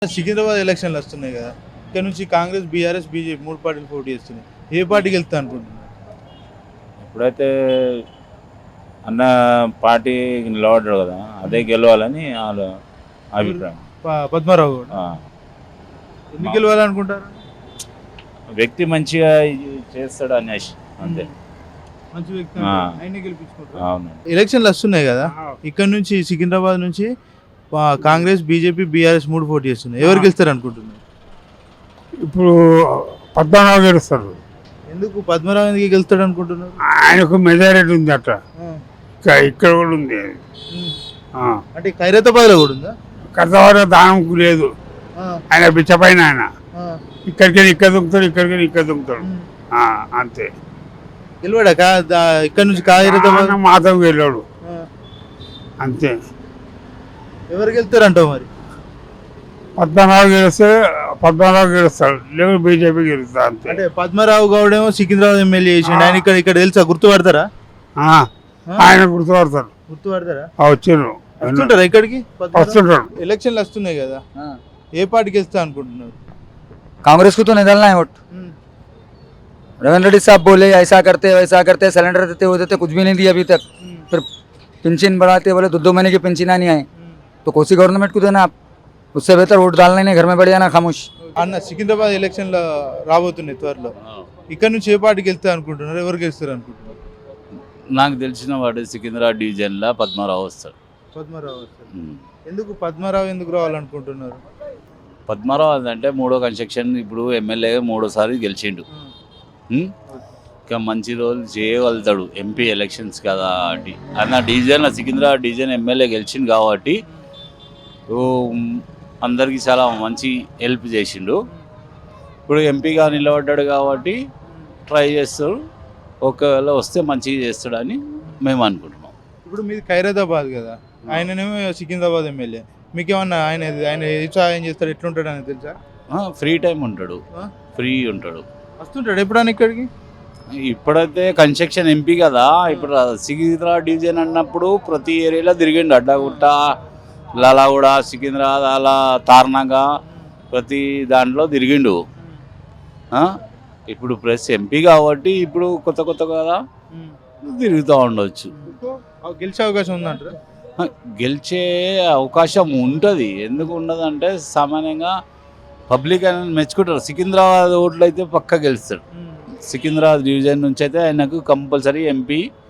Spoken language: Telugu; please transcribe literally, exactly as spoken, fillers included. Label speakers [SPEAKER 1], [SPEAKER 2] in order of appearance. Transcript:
[SPEAKER 1] సికింద్రాబాద్ ఎలక్షన్లు వస్తున్నాయి కదా, ఇక్కడ నుంచి కాంగ్రెస్, బీఆర్ఎస్, బీజేపీ మూడు పార్టీలు పోటీ చేస్తున్నాయి. ఏ పార్టీకి వెళ్తా అనుకుంటున్నారు?
[SPEAKER 2] ఇప్పుడైతే అన్న పార్టీ నిలబడ్డాడు కదా, అదే గెలవాలని వాళ్ళ అభిప్రాయం.
[SPEAKER 1] ప- పద్మారావు కూడా
[SPEAKER 2] ఆ.
[SPEAKER 1] ఎందుకు గెలవాలనుకుంటారు?
[SPEAKER 2] వ్యక్తి మంచిగా ఇది చేస్తాడు అనేసి అంతే.
[SPEAKER 1] మంచి వ్యక్తి
[SPEAKER 2] ఆ.
[SPEAKER 1] ఆయనే గెలిపించుకుంటారు.
[SPEAKER 2] అవును.
[SPEAKER 1] ఎలక్షన్లు వస్తున్నాయి కదా, ఇక్కడ నుంచి సికింద్రాబాద్ నుంచి ఆ, కాంగ్రెస్, బీజేపీ, బీఆర్ఎస్ మూడు పోటీ చేస్తున్నాయి. ఎవరు గెలుస్తారు అనుకుంటున్నారు?
[SPEAKER 3] ఇప్పుడు పద్మనాభం గెలుస్తారు.
[SPEAKER 1] ఎందుకు పద్మరావు ఎందుకు గెలుస్తాడు అనుకుంటున్నారు?
[SPEAKER 3] ఆయనకు మెజారిటీ ఉంది అట్లా,
[SPEAKER 1] ఆ.
[SPEAKER 3] ఇంకా ఇక్కడ కూడా ఉంది.
[SPEAKER 1] ఉమ్.
[SPEAKER 3] ఆ.
[SPEAKER 1] అంటే ఖైరతాబాద్లో కూడా ఉందా?
[SPEAKER 3] కర్తవాడ దానంకు లేదు,
[SPEAKER 1] ఆ.
[SPEAKER 3] ఆయన బిచ్చపైన ఆయన
[SPEAKER 1] ఆ.
[SPEAKER 3] ఇక్కడికి ఇక్కడ దుంకుతాడు, ఇక్కడికి ఇక్కడ దుంకుతాడు.
[SPEAKER 1] ఉమ్.
[SPEAKER 3] ఆ, అంతే.
[SPEAKER 1] గెలవాడా కా దా- ఇక్కడ నుంచి ఖైరతాబాద్?
[SPEAKER 3] ఆయన మాధవ్ వెళ్ళాడు
[SPEAKER 1] ఆ.
[SPEAKER 3] అంతే.
[SPEAKER 1] ఎవరు గెలుస్తారంటావు మరి?
[SPEAKER 3] పద్మనాభం గెలిస్తే పద్మనాభం గెలుస్తాడు, లేదు బీజేపీ గెలుస్తా అంతే.
[SPEAKER 1] అంటే పద్మరావు గౌడ్ ఏమో సికింద్రాబాద్ ఎమ్మెల్యే చేసిండు, ఆయన ఇక్కడ ఇక్కడ తెలుసా? గుర్తుపడతారా?
[SPEAKER 3] ఆ, ఆయన గుర్తుపడతారు.
[SPEAKER 1] గుర్తుపడతారా?
[SPEAKER 3] ఆ, వచ్చిండ్రు
[SPEAKER 1] వస్తుంటారా ఇక్కడికి? పద్మరావు?
[SPEAKER 3] వస్తుంటాడు.
[SPEAKER 1] ఎలక్షన్లు వస్తున్నాయి కదా, ఏ పార్టీకి వెళ్తా అనుకుంటున్నారు?
[SPEAKER 4] कांग्रेस को तो नहीं डालना है वोट।
[SPEAKER 1] ఉమ్.
[SPEAKER 4] रविंद्र रेड्डी साहब बोले ऐसा करते वैसा करते, सिलेंडर देते वो देते, कुछ भी नहीं दिया अभी तक।
[SPEAKER 1] ఉమ్.
[SPEAKER 4] फिर पेंशन बढ़ाते बोले दो दो महीने की पेंशन नहीं आए,
[SPEAKER 1] ఉమ్.
[SPEAKER 4] तो कोसी गवर्नमेंट को देना आप। उससे बेहतर वोट डालना ही नहीं, घर में बैठ जाना खामोश।
[SPEAKER 1] అన్న సికింద్రాబాద్ ఎలక్షన్లో రాబోతున్నాయి త్వరలో, ఇక్కడ నుంచి ఏ పార్టీకి వెళ్తా అనుకుంటున్నారు? ఎవరు గెలుస్తారు అనుకుంటున్నారు?
[SPEAKER 2] నాకు తెలిసిన వాడు సికింద్రాబాద్ డివిజన్లో పద్మారావు వస్తాడు.
[SPEAKER 1] పద్మరావు వస్తారు.
[SPEAKER 2] ఉమ్.
[SPEAKER 1] ఎందుకు పద్మరావు ఎందుకు రావాలనుకుంటున్నారు?
[SPEAKER 2] పద్మారావు అంటే మూడో కన్స్ట్రక్షన్, ఇప్పుడు ఎమ్మెల్యే మూడోసారి గెలిచిండు. ఉమ్. ఇంకా మంచి రోజులు చేయగలుగుతాడు. ఎంపీ ఎలక్షన్స్ కదా అది అన్న డివిజన్ సికింద్రాబాద్ డివిజన్ ఎమ్మెల్యే గెలిచిండు కాబట్టి ఓ, అందరికీ చాలా మంచి హెల్ప్ చేసిండు. ఇప్పుడు ఎంపీగా నిలబడ్డాడు కాబట్టి ట్రై చేస్తాడు, ఒకవేళ వస్తే మంచిగా చేస్తాడని మేము అనుకుంటున్నాం.
[SPEAKER 1] ఇప్పుడు మీది ఖైరతాబాద్ కదా, ఆయననేమో సికింద్రాబాద్ ఎమ్మెల్యే, మీకేమన్నా ఆయన ఆయన ఏ సహాయం చేస్తాడు, ఎట్లుంటాడు అని తెలుసా?
[SPEAKER 2] ఫ్రీ టైం ఉంటాడు,
[SPEAKER 1] ఆ?
[SPEAKER 2] ఫ్రీ ఉంటాడు.
[SPEAKER 1] వస్తుంటాడు ఎప్పుడన్నా ఇక్కడికి?
[SPEAKER 2] ఇప్పుడైతే కన్స్ట్రక్షన్ ఎంపీ కదా, ఇప్పుడు సికింద్రాబాద్ డివిజన్ అన్నప్పుడు ప్రతి ఏరియాలో తిరిగిండు. అడ్డగుట్ట, లలాగూడ, సికింద్రాబాద్, అలా తార్నాగా ప్రతి దాంట్లో తిరిగిండు. ఆ? ఇప్పుడు ప్రెస్ ఎంపీ కాబట్టి ఇప్పుడు కొత్త కొత్త కదా తిరుగుతూ ఉండవచ్చు.
[SPEAKER 1] గెలిచే అవకాశం ఉందంటారా?
[SPEAKER 2] ఆ, గెలిచే అవకాశం ఉంటుంది. ఎందుకు ఉండదు అంటే సామాన్యంగా పబ్లిక్ అనేది మెచ్చుకుంటారు. సికింద్రాబాద్ ఓట్లు అయితే పక్కా గెలుస్తాడు. సికింద్రాబాద్ డివిజన్ నుంచి అయితే ఆయనకు కంపల్సరీ ఎంపీ